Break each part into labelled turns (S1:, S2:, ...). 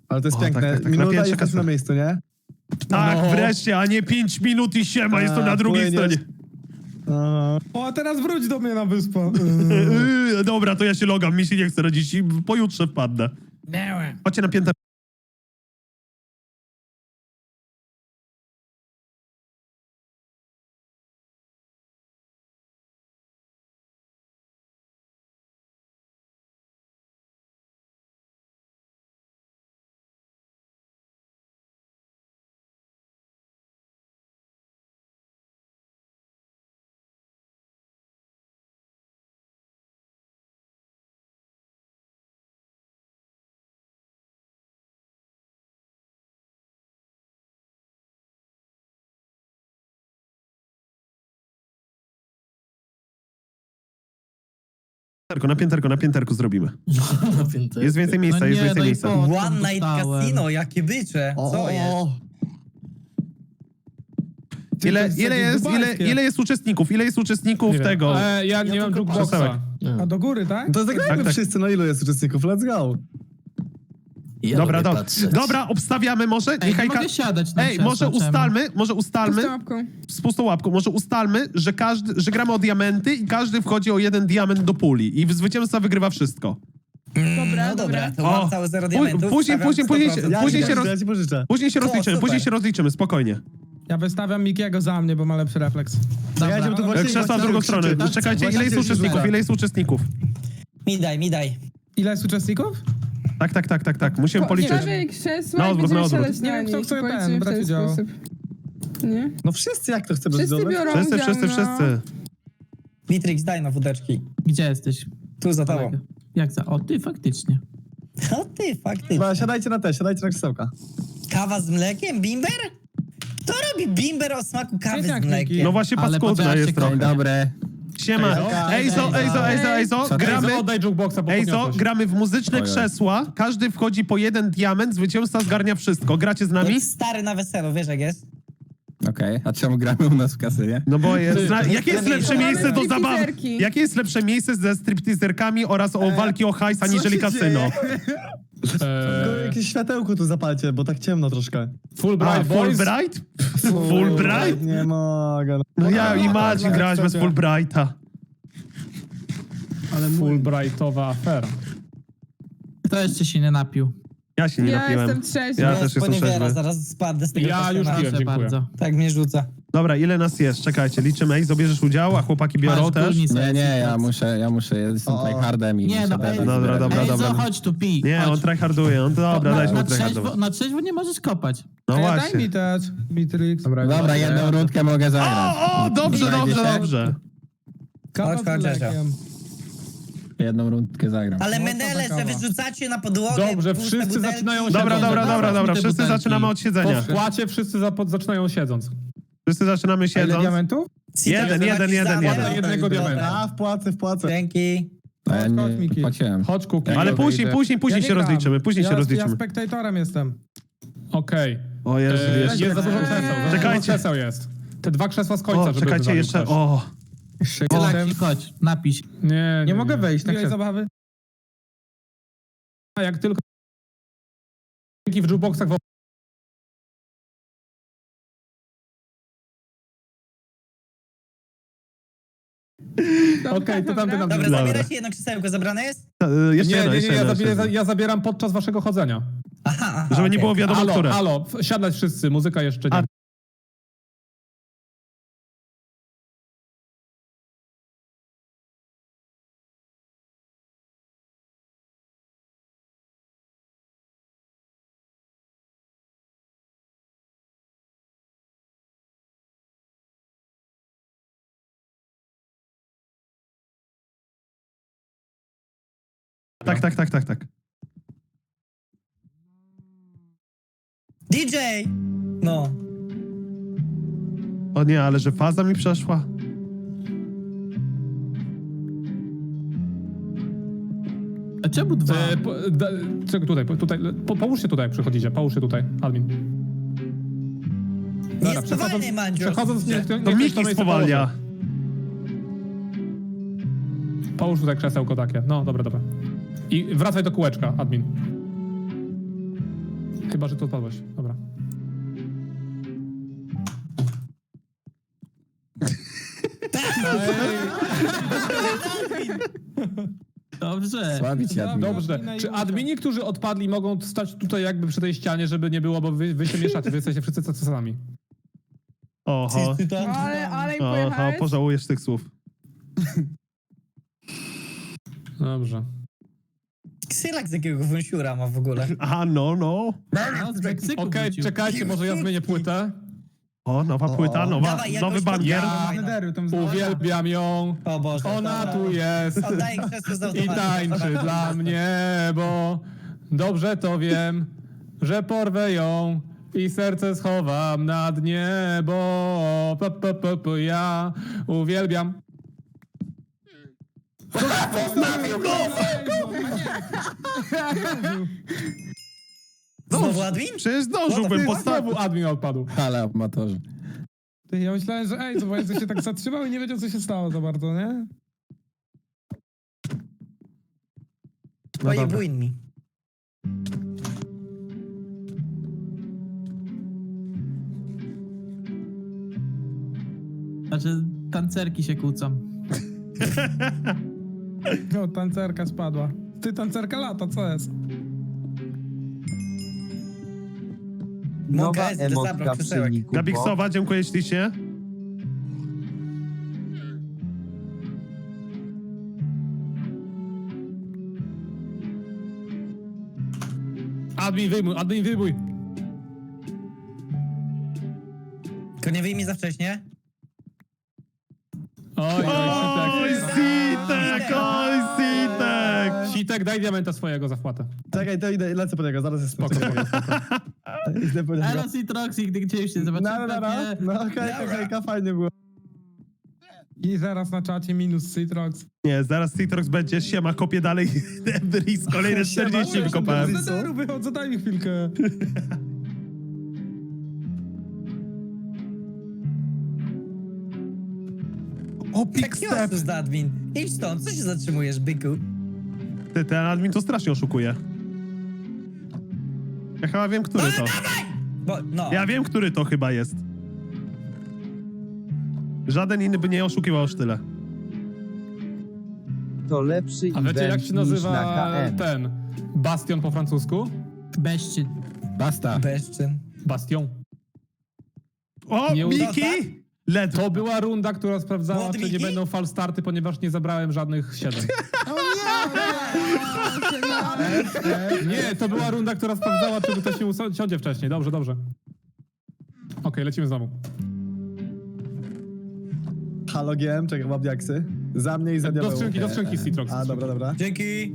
S1: Ale to jest
S2: O,
S1: piękne.
S2: tak, tak, tak. Na
S1: Minuta
S2: pierwsze
S1: i jesteś
S2: kasy.
S1: na miejscu, nie?
S2: Tak,
S1: No.
S2: wreszcie, a nie 5 minut i siema, jest to na drugiej
S1: płyniesz.
S2: stronie.
S3: O, a teraz wróć do mnie na wyspę.
S2: Dobra, to ja się logam, mi się nie chce rodzić i pojutrze wpadnę. Chodźcie na piętę. Na pięterku zrobimy. Jest więcej miejsca, jest więcej miejsca.
S4: One Night Casino, jakie bycze. Co jest?
S2: Ile jest uczestników? Ile jest uczestników
S3: Nie wiem.
S2: tego?
S3: Ja nie mam jukeboxa.
S2: Krzesełek.
S3: A do góry, tak?
S1: To zagrajmy
S2: Tak, tak.
S1: wszyscy, no ilu jest uczestników? Let's go.
S2: Dobra, dobra. Dobra, obstawiamy może?
S5: Ej, nie mogę siadać na
S2: Ej, może ustalmy,
S6: łapką.
S2: z pustą łapką, może ustalmy, że gramy o diamenty i każdy wchodzi o 1 diament do puli i zwycięzca wygrywa wszystko.
S6: Dobra,
S4: No dobra, to
S2: O,
S4: mam całe 0 diamentów.
S2: później
S4: stawiam
S2: się-
S4: 100%.
S1: Ja
S2: Później
S1: ci
S2: się
S1: pożyczę, ja ci pożyczę.
S2: Później się
S4: super.
S2: rozliczymy, spokojnie.
S3: Ja wystawiam Mikiego za mnie, bo ma lepszy refleks.
S1: Czekajcie, bo tu właśnie
S2: Krzesła w drugą stronę.
S1: krzyczy.
S2: Czekajcie, ile
S1: Właśnie
S2: jest
S1: się
S2: uczestników?
S1: rzuca.
S2: Ile jest uczestników?
S4: Mi daj.
S3: Ile jest uczestników?
S2: Tak. Musimy policzyć.
S6: Stawiaj krzesła
S2: Na
S6: i
S2: odwrót,
S6: będziemy
S2: na odwrót.
S6: siadać
S3: Nie
S6: na
S3: wiem, kto
S6: nich.
S3: chce
S6: Powiedzmy
S3: ten
S6: w
S3: brać udział.
S6: sposób. Nie?
S1: No wszyscy, jak to chcemy
S6: Wszyscy
S1: zdobyć?
S6: biorą
S2: Wszyscy,
S6: udział,
S2: wszyscy,
S6: no.
S2: wszyscy.
S4: Mitrix, daj na wódeczki.
S5: Gdzie jesteś?
S4: Tu za tobą.
S5: Jak za? O, ty faktycznie.
S4: O ty, faktycznie.
S1: Dobra, siadajcie na krzesełka.
S4: Kawa z mlekiem? Bimber? Kto robi bimber o smaku kawy
S3: Świetniak,
S4: z mlekiem?
S3: Miki.
S2: No właśnie
S5: Ale
S2: paskudna
S5: popatrzcie,
S2: jest trochę.
S7: Dobry.
S2: Siema. Ejzo, gramy...
S3: Oddaj jukeboxa, bo
S2: Ejzo,
S3: podniosłeś.
S2: gramy w muzyczne krzesła, każdy wchodzi po 1 diament, zwycięzca zgarnia wszystko. Gracie z nami?
S4: Jak stary na weselu, wiesz jak jest?
S7: Okej, a czemu gramy u nas w kasynie?
S2: No bo jest... Jakie jest lepsze
S6: Mamy
S2: miejsce do zabawy?
S6: stripteaserki.
S2: Jakie jest lepsze miejsce ze stripteaserkami oraz o walki o hajs aniżeli
S1: się
S2: kasyno?
S1: Tylko jakieś światełko tu zapalcie, bo tak ciemno troszkę.
S3: Fulbright Boys.
S2: Fulbright? Fulbright?
S1: Nie mogę.
S2: No ja i Marcin grałeś bez Fulbrighta.
S3: Ale Fulbrightowa afera.
S5: Kto jeszcze się nie napił?
S2: Ja się nie
S6: Ja
S2: napiłem.
S6: jestem trzeźwy.
S2: Ja
S4: Ja
S2: też jestem
S4: poniewiera,
S2: trzeźwy.
S4: zaraz spadnę z tego
S3: Ja już
S4: kasana.
S3: piłem.
S5: Proszę
S3: dziękuję.
S5: bardzo.
S4: Tak mnie rzuca.
S2: Dobra, ile nas jest? Czekajcie, liczymy. Ej, zabierzesz udział, a chłopaki biorą
S5: Masz
S2: też?
S5: górni
S7: Nie,
S5: sekcji,
S7: ja muszę, jestem
S1: O.
S7: tryhardem i
S5: Nie,
S7: muszę
S5: no,
S7: dać.
S5: ej,
S2: Dobra.
S5: Ej, co, chodź tu, pij.
S2: Nie,
S5: chodź.
S2: on tryharduje. On dobra, daj mu tryhardować.
S5: Na trzeźwo nie możesz kopać.
S2: No
S3: Daj
S2: właśnie.
S3: mi też, Mitrix.
S7: Dobra, jedną rundkę mogę zagrać.
S2: O, dobrze.
S3: Kawa
S4: Chodź,
S3: z
S4: chodź,
S3: mlekiem.
S7: Jedną rundkę zagram.
S4: Ale
S3: Mocna
S4: menele,
S3: kawa.
S4: że wyrzucacie na podłogę
S3: Dobrze,
S4: puste
S3: wszyscy
S4: butelki.
S3: zaczynają się
S2: Dobra.
S5: Te
S2: Wszyscy
S5: butelki.
S2: zaczynamy od
S3: Po
S2: siedzenia.
S3: wpłacie wszyscy zaczynają siedząc.
S2: Wszyscy zaczynamy
S3: A ile
S2: siedząc.
S3: diamentów?
S2: Jeden.
S4: Dobra,
S3: jednego diamenta.
S1: A, wpłacę.
S4: Dzięki.
S7: A ja
S3: Chodź,
S7: nie
S3: Miki.
S7: płaciłem.
S3: Chodź, Kuki.
S2: Ale
S3: Ja
S2: później
S3: nie
S2: się
S3: gram.
S2: rozliczymy.
S3: Ja spektatorem jestem. Okej.
S2: O Jezu,
S3: Jest
S2: jeszcze.
S3: za dużo krzeseł.
S2: Czekajcie.
S3: Krzeseł jest. Te 2 krzesła z końca,
S2: O,
S3: żeby
S2: czekajcie
S3: wywalił
S2: jeszcze.
S3: ktoś.
S2: O.
S5: Tylaki, chodź, napij się.
S3: Nie mogę wejść na krzesło. Zabawy. A jak tylko w jukeboxach Okej, to tamty nam...
S4: Dobra, zabieracie jedno krzesełko, zabrane jest?
S2: Jeszcze jedno,
S3: ja zabieram podczas waszego chodzenia.
S4: Aha,
S2: Żeby nie było wiadomo, które.
S3: Halo, siadać wszyscy, muzyka jeszcze nie.
S2: A- Tak.
S4: DJ! No.
S2: O nie, ale że faza mi przeszła.
S5: A czemu dwa?
S3: Czego tutaj? Połóż się tutaj, jak przychodzicie. Połóż się tutaj, admin.
S4: Nie jest spowalny, Mandzio.
S3: Przechodząc,
S2: To Miki spowalnia.
S3: Połóż tutaj krzesełko takie. No, dobra. I wracaj do kółeczka, admin. Chyba, że tu odpadłeś. Dobra.
S5: Dobrze.
S7: Słabić admin.
S3: Dobrze. Czy admini, którzy odpadli, mogą stać tutaj jakby przy tej ścianie, żeby nie było, bo wy się mieszacie, wy jesteście wszyscy tacy sami.
S2: Oho.
S6: Ale im
S2: Oho,
S6: pojechałeś?
S2: pożałujesz tych słów.
S3: Dobrze.
S4: Ksylak z jakiego wąsiura ma w ogóle.
S2: Aha, no.
S5: No, z Meksyku
S3: Okej,
S5: wrócił.
S3: czekajcie, może ja zmienię płetę.
S2: O, nowa płyta,
S4: Dawaj, jakoś
S2: nowy
S4: to
S2: bangier.
S4: działa.
S3: Uwielbiam ją.
S4: O Boże.
S3: Ona
S4: dobra.
S3: tu jest.
S4: Oddaję krzesło z
S3: I
S4: automatu.
S3: tańczy dla mnie, bo dobrze to wiem, że porwę ją i serce schowam na dnie, bo ja uwielbiam.
S4: Znowu admin?
S2: Przecież zdążyłbym postawić.
S3: Znowu admin odpadł.
S7: Ale amatorzy.
S8: Ty, ja myślałem, że ej, zobacz, że się tak zatrzymał i nie wiedział, co się stało za bardzo, nie?
S4: Pojebuj mi.
S5: Znaczy, tancerki się kłócą.
S8: No, tancerka spadła. Ty, tancerka lata, co jest?
S4: Mogę, zabrał krzesełek.
S2: Gabiksowa, dziękuję ślicznie.
S3: Admin wyjmuj, admin wyjmuj.
S4: Tylko nie wyjmij za wcześnie.
S3: Oj,
S2: Oj, Sitek, oj, Sitek.
S3: Sitek, daj diamenta swojego za wpłatę.
S1: Czekaj, to idę, lecę po niego, zaraz jest spoko. Idę po niego.
S5: Eros i Troxy, gdy gdzieś się zobaczymy.
S1: No okej, fajnie było.
S8: I zaraz na czacie minus Citrox.
S2: Nie, zaraz Citrox będzie, siema, kopię dalej Debris, kolejne 40 wykopałem.
S8: Z zero wychodzę, daj mi chwilkę.
S2: O,
S4: Tak
S2: Pick Step.
S4: Kiosus do admin. Idź stąd, co się zatrzymujesz, byku?
S2: Ty, ten admin to strasznie oszukuje. Ja chyba wiem, który to.
S4: Bo, no.
S2: Ja wiem, który to chyba jest. Żaden inny by nie oszukiwał aż tyle.
S9: To lepszy
S3: A wiecie, jak
S9: event
S3: się
S9: niż
S3: nazywa
S9: na KN.
S3: ten bastion po francusku?
S5: Beszczyn.
S7: Basta.
S4: Bezczyn.
S3: Bastion.
S2: O,
S3: Nie uda-
S2: Miki! Ledwo.
S3: To była runda, która sprawdzała,
S4: Młody
S3: czy nie
S4: Miki?
S3: będą falstarty, ponieważ nie zabrałem żadnych 7. Nie, to była runda, która sprawdzała, czy ktoś nie usiądzie wcześniej. Dobrze, dobrze. Okej, lecimy znowu.
S1: Halo GM, czekaj, mam diaksy. Za mnie i za
S3: Do
S1: diabeł.
S3: skrzynki Citrox.
S1: A, dobra.
S4: Dzięki.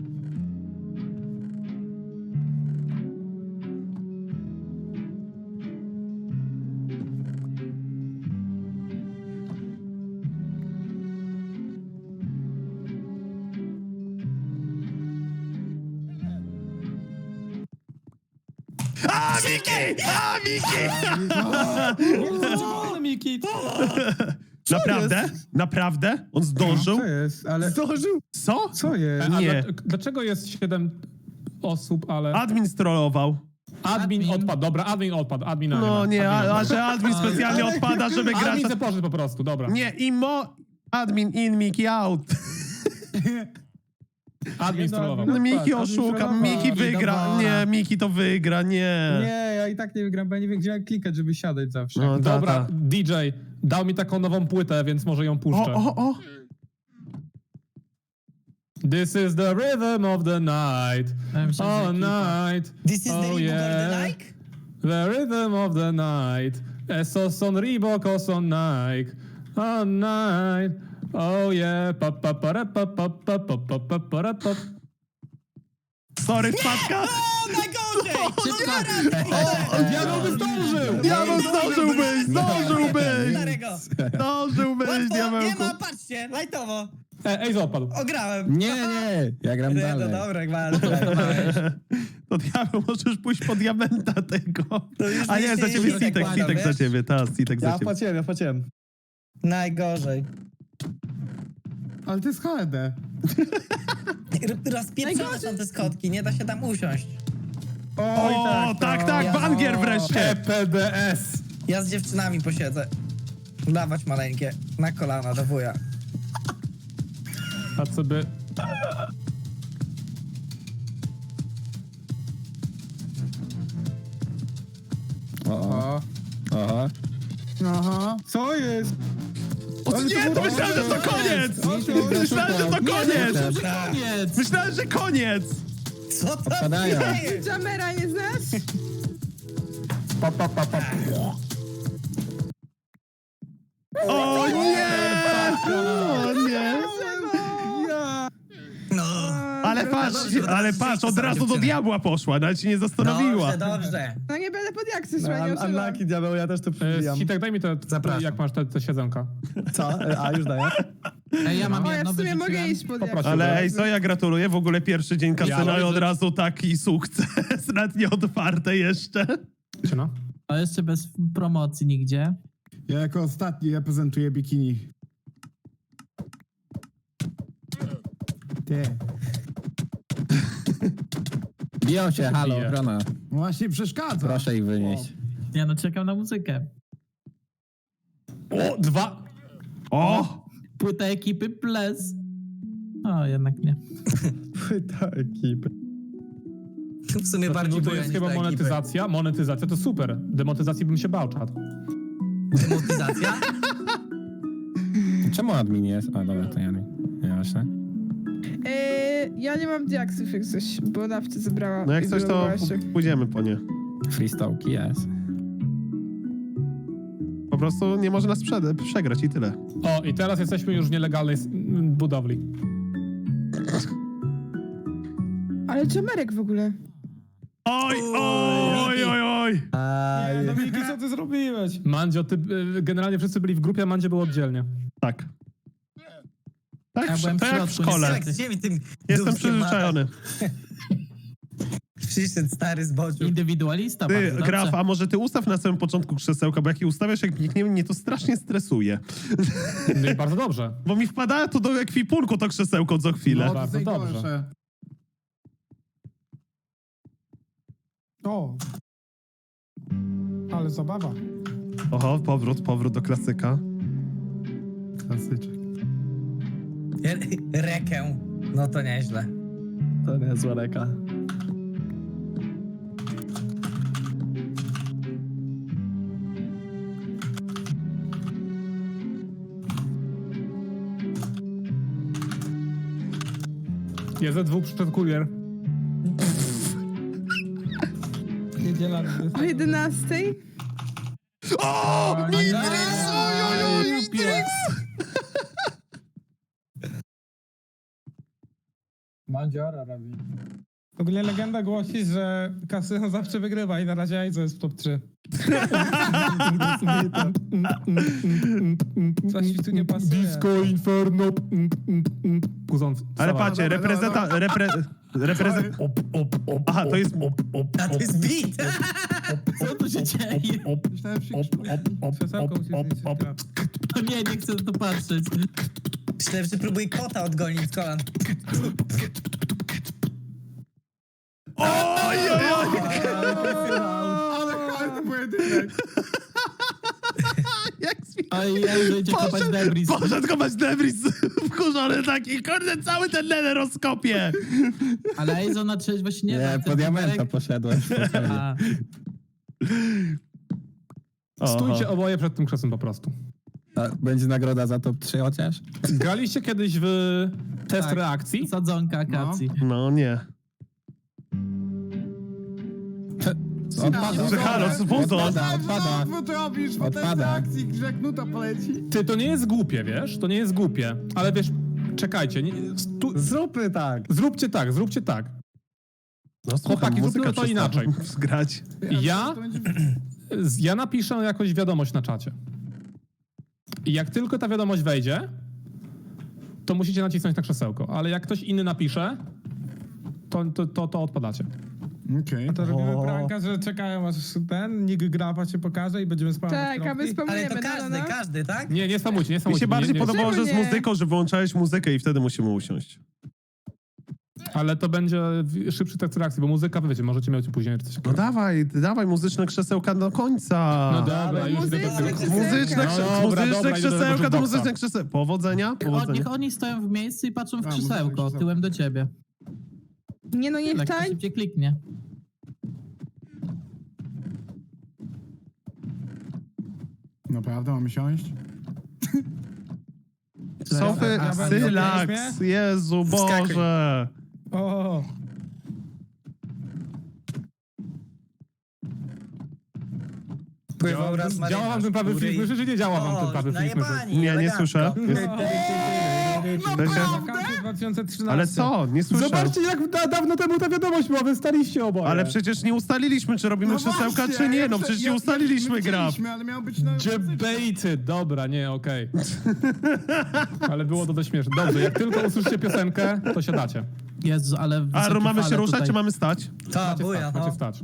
S2: A, Miki! A, Miki!
S8: Miki,
S2: Naprawdę? Naprawdę? On zdążył?
S8: co jest? Ale
S1: Zdążył!
S2: Co?
S8: co jest?
S3: A
S2: Nie.
S3: Dlaczego jest 7 osób, ale...
S2: Admin strollował.
S3: Admin odpadł, dobra, admin odpadł, admina
S2: No nie,
S3: Admin
S2: a
S3: odpadł.
S2: że admin specjalnie odpada, żeby grać...
S3: Admin se poszedł po prostu, dobra.
S2: Nie, admin in, Miki out.
S3: Admin strollował.
S2: No, Miki
S8: admin
S2: oszuka,
S8: trollował.
S2: Miki wygra.
S5: Dobra.
S2: Nie, Miki to wygra, nie.
S8: Nie, ja i tak nie wygram, bo ja nie wiem, gdzie mam klikać, żeby siadać zawsze.
S2: No,
S3: Dobra,
S2: tata.
S3: DJ dał mi taką nową płytę, więc może ją puszczę.
S2: O.
S3: This is the rhythm of the night.
S5: Ja myślę, że
S3: All
S5: ekipa.
S3: night.
S4: This is the
S3: Oh
S4: Reebok
S3: yeah.
S4: of the Nike?
S3: The rhythm of the night. Esos on Reebok, on Nike. All night. Oh yeah. Pa pa para pa pa pa pa pa pa para pa.
S2: Sorry, wpadka.
S4: O, najgorzej!
S3: Diabeł by zdążył!
S2: Diabeł zdążyłbyś,
S4: Starego.
S2: zdążyłbyś,
S4: Nie
S2: diabełku.
S4: ma, patrzcie, lajtowo.
S3: Ej, odpadł.
S4: Ograłem.
S7: Nie, ja gram
S4: No
S7: dalej.
S4: dobra, gwarę.
S2: To diabeł, możesz pójść po diamenta tego.
S4: To już
S2: A nie,
S4: nic
S2: za
S4: nie
S2: ciebie
S4: jest
S2: Sitek,
S4: tak
S2: Sitek
S4: ładno,
S2: za ciebie, Sitek za
S1: Ja
S2: ciebie.
S1: wpłaciłem.
S4: Najgorzej.
S8: Ale to jest HD.
S4: Rozpieprzone są te schodki, nie da się tam usiąść.
S2: O, tak, Bangier wreszcie!
S3: PDS!
S4: Ja z dziewczynami posiedzę. Dawać maleńkie. Na kolana do wuja.
S3: A co by...
S7: O. Aha.
S5: Aha.
S1: Co jest?
S2: O, nie, to myślałem, że to koniec! Myślałem, że to koniec!
S5: Koniec!
S2: Myślałem, że koniec!
S4: Co to
S7: Odpadają.
S4: jest?
S6: Jamera nie znasz?
S2: O nie! O nie!
S4: No.
S2: Ale patrz, od razu do diabła poszła, nawet się nie zastanowiła.
S4: Dobrze.
S6: No nie będę pod jaksy,
S1: No,
S6: słuchaj, nie używam.
S1: unlucky diabeł, ja też tu przybijam.
S3: Hitek, daj mi te,
S4: Zapraszam.
S3: jak masz te siedzonka.
S1: Co? A, już daję.
S5: Ej, ja mam
S6: O, ja
S5: jedno,
S6: w sumie mogę
S5: wyrzuciłem.
S6: iść pod
S3: Poproszę.
S6: jaksy.
S2: Ale ej, co ja gratuluję, w ogóle pierwszy dzień kasyna
S3: Ja
S2: i od
S3: widzę.
S2: razu taki sukces, nawet nie otwarte jeszcze.
S3: Czy no?
S5: A jeszcze bez promocji nigdzie.
S9: Ja jako ostatni reprezentuję bikini. Ty.
S7: Biją się, halo,
S3: bije?
S7: ochrona.
S9: Właśnie przeszkadza.
S7: Proszę ich wynieść.
S5: Ja no czekam na muzykę.
S3: O, 2!
S2: O!
S5: Płyta ekipy Ples. O, jednak nie.
S1: Płyta ekipy.
S4: W sumie
S3: No
S4: bardziej
S3: to
S4: boję
S3: jest
S4: niż
S3: chyba
S4: te ekipy.
S3: monetyzacja. Monetyzacja to super. Demonetyzacji bym się bał, czad.
S4: Demonetyzacja?
S7: Czemu admin jest? A dobra, to ja nie. Nie właśnie.
S6: Ja nie mam diaksów jak coś, bo nawcie zebrała.
S2: No jak
S6: i
S2: coś, to
S6: wylogowała się.
S2: pójdziemy po nie.
S7: Freestołki jest.
S2: Po prostu nie może nas przegrać i tyle.
S3: O, i teraz jesteśmy już w nielegalnej budowli.
S6: Ale Jamerek w ogóle.
S2: Oj, oj, oj, oj!
S8: Nie, Dominiki, co ty zrobiłeś?
S3: Mandzio, ty, generalnie wszyscy byli w grupie, a Mandzio był oddzielnie.
S2: Tak. Tak,
S5: Ja byłem w
S2: to jak w
S5: środku,
S2: szkole.
S5: niestety.
S4: Jak z ziemi tym
S2: Jestem
S4: dubskiem
S2: przyzwyczajony.
S4: Przyszedł stary z boczu.
S5: Indywidualista,
S2: Ty,
S5: bardzo dobrze.
S2: Graf, a może ty ustaw na samym początku krzesełka, bo jak je ustawiasz, jak nikniemy, mnie to strasznie stresuje.
S3: No i bardzo dobrze.
S2: Bo mi wpada to do ekwipunku to krzesełko co chwilę.
S3: No, bardzo dobrze.
S8: O. Ale zabawa.
S2: Oho, powrót do klasyka.
S9: Klasyczek.
S4: Rekę. No to nieźle.
S1: To nie zła reka.
S3: Jest ze 2 przyszedł kurier.
S8: Niedziela.
S6: O 11:00?
S2: O! Mitrix! Oj, Mitrix!
S8: Mandziora robi. W ogóle legenda głosi, że kasyno zawsze wygrywa i na razie Aizo jest w top 3. Coś mi tu nie pasuje.
S3: Disco Inferno. Kuzon.
S2: Ale patrzcie, Aha, to jest...
S4: A to jest beat!
S5: Co tu się dzieje?
S9: Myślałem, że
S8: Krzesełko musi zniszczyć.
S5: To nie chcę na to patrzeć.
S4: Myślałem, że próbuję kota odgonić z kolan.
S2: Oj, oj, oj!
S9: Ale fajny pojedynek.
S2: Jak
S5: Oj, ja już idzie kopać debris.
S2: Poszedł kopać debris wkurzony taki, kurde, cały ten nether rozkopie.
S5: Ale Eizo na trzeźwo się nie da.
S7: Nie,
S5: Ten
S7: po diamenta
S5: numerek-
S7: poszedłem. spokojnie.
S5: A,
S3: Stójcie oboje przed tym krzesłem po prostu.
S7: A będzie nagroda za top 3 chociaż?
S3: Graliście kiedyś w test
S5: Tak.
S3: reakcji?
S5: sadzonka akacji.
S2: No nie.
S7: Odpada.
S2: Że halo, spuzon.
S7: Odpada.
S9: Co ty robisz? Po tej
S7: Odpada.
S9: akcji grzech nuta poleci.
S3: Ty, to nie jest głupie, wiesz? To nie jest głupie. Ale wiesz, czekajcie.
S1: Zróbmy tak.
S3: Zróbcie tak.
S2: No
S3: Chłopaki,
S2: muzyka
S3: zróbmy to
S2: przestała
S3: inaczej.
S2: Zgrać.
S3: Ja napiszę jakąś wiadomość na czacie. I jak tylko ta wiadomość wejdzie, to musicie nacisnąć na krzesełko. Ale jak ktoś inny napisze, to odpadacie.
S9: Okej.
S8: To robimy
S1: O.
S8: pranka, że czekają aż ten nick grafa się pokaże i będziemy spamować
S6: Tak, a my
S8: kropki.
S6: spamujemy,
S4: Ale to każdy, tak?
S3: Nie spamujcie, nie
S2: Mi
S3: spamujcie.
S2: się bardziej
S3: nie,
S2: podobało, że z
S6: Czemu nie?
S2: muzyką, że wyłączałeś muzykę i wtedy musimy usiąść.
S3: Ale to będzie szybszy tekst reakcji, bo muzyka, wy wiecie, możecie mieć później czy coś
S2: No
S3: takiego.
S2: dawaj muzyczne krzesełka do końca.
S3: No dobra, już idę do
S6: muzyczne
S3: tego.
S6: krzesełka.
S2: Muzyczne,
S3: No dobra,
S2: muzyczne
S3: idę do
S2: krzesełka to
S3: jukeboxa.
S2: muzyczne krzesełka. Powodzenia.
S5: Niech oni stoją w miejscu i patrzą w
S9: A, muzyczne
S5: krzesełko,
S9: krzesełko.
S5: tyłem do ciebie.
S6: Nie no, niech
S5: Tak, to
S6: tań.
S5: szybciej kliknie.
S9: Naprawdę, mamy siąść?
S2: Sofy,
S8: Ja będę
S2: Sylax,
S8: śmiech?
S2: Jezu
S4: Wskakuj.
S2: Boże.
S8: O,
S4: Pływał raz
S3: Działa wam ten prawy
S4: marynarz,
S3: film, słyszy, czy nie działa wam ten
S4: O,
S3: prawy film?
S4: najebani,
S2: Nie, nie
S4: elegancko.
S2: słyszę.
S8: wakacje 2013.
S2: Ale co? Nie słyszę.
S3: Zobaczcie, jak dawno temu ta wiadomość była, wy staliście oboje.
S2: Ale przecież nie ustaliliśmy, czy robimy krzesełka, czy nie. No przecież nie ustaliliśmy gra.
S9: Ale miał być na...
S3: Debated, dobra, nie, okej. Ale było to dość śmieszne. Dobrze, jak tylko usłyszycie piosenkę, to siadacie.
S5: Jezu, ale
S2: A
S5: wysokie
S2: mamy się
S5: fale
S2: ruszać,
S5: tutaj.
S2: czy mamy stać?
S4: Ta,
S3: Macie
S4: buja,
S3: stać,
S4: no.
S3: macie stać.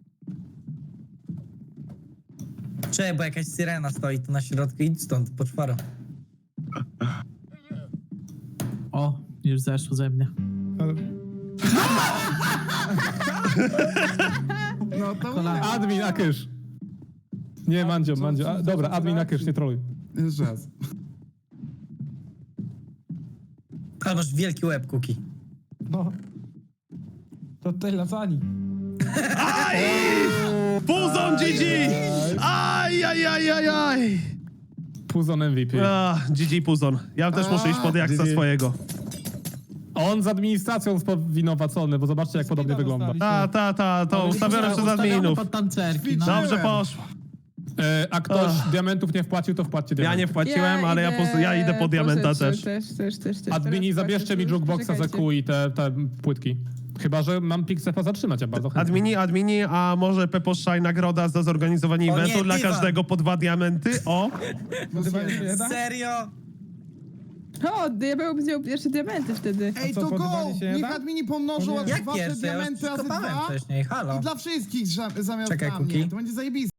S4: Czekaj, bo jakaś syrena stoi tu na środku, idź stąd, po czwaro.
S5: O, już zeszło ze mnie.
S9: No to
S5: Kolana.
S3: Admin na kysz. Nie, Mandzio. Dobra, admin na kysz, nie troluj.
S9: Jeszcze raz.
S4: Ale masz wielki łeb, Kuki.
S8: No. To tej lasani.
S2: Puzon GG! Aj!
S3: Puzon MVP.
S2: GG Puzon. Ja też muszę iść pod jaksa
S3: GG.
S2: swojego.
S3: On z administracją spowinowacony, bo zobaczcie, jak podobnie wygląda.
S2: To ustawione przez
S5: Ustawiamy
S2: adminów.
S5: pod tancerki, no.
S2: Dobrze poszło.
S3: A ktoś diamentów nie wpłacił, to wpłaccie
S2: Ja
S3: diamenty.
S2: nie wpłaciłem, ale ja idę po diamenta też.
S6: Też.
S3: Admini,
S6: Teraz
S3: zabierzcie mi
S6: patrzę,
S3: jukeboxa za
S6: czekajcie.
S3: kół i te płytki. Chyba, że mam Pixepa zatrzymać, ja bardzo chętnie.
S2: Admini, a może Peposzaj nagroda za zorganizowanie
S4: O nie,
S2: eventu dla
S4: dywan.
S2: każdego po 2 diamenty? O!
S8: Nazywanie się jeda?
S4: Serio?
S6: O, diabeł wziął pierwsze diamenty wtedy.
S9: Ej,
S8: co,
S9: to go!
S8: podobanie się
S9: Niech
S8: jeda?
S9: admini pomnożą
S8: O nie.
S9: wasze
S4: Jak pierwsze? Ja już
S9: diamenty razy
S4: kopałem
S9: 2
S4: wcześniej, halo.
S9: i dla wszystkich zamiast
S4: Czekaj,
S9: dla mnie.
S4: Kuki.
S9: To będzie zajebiste.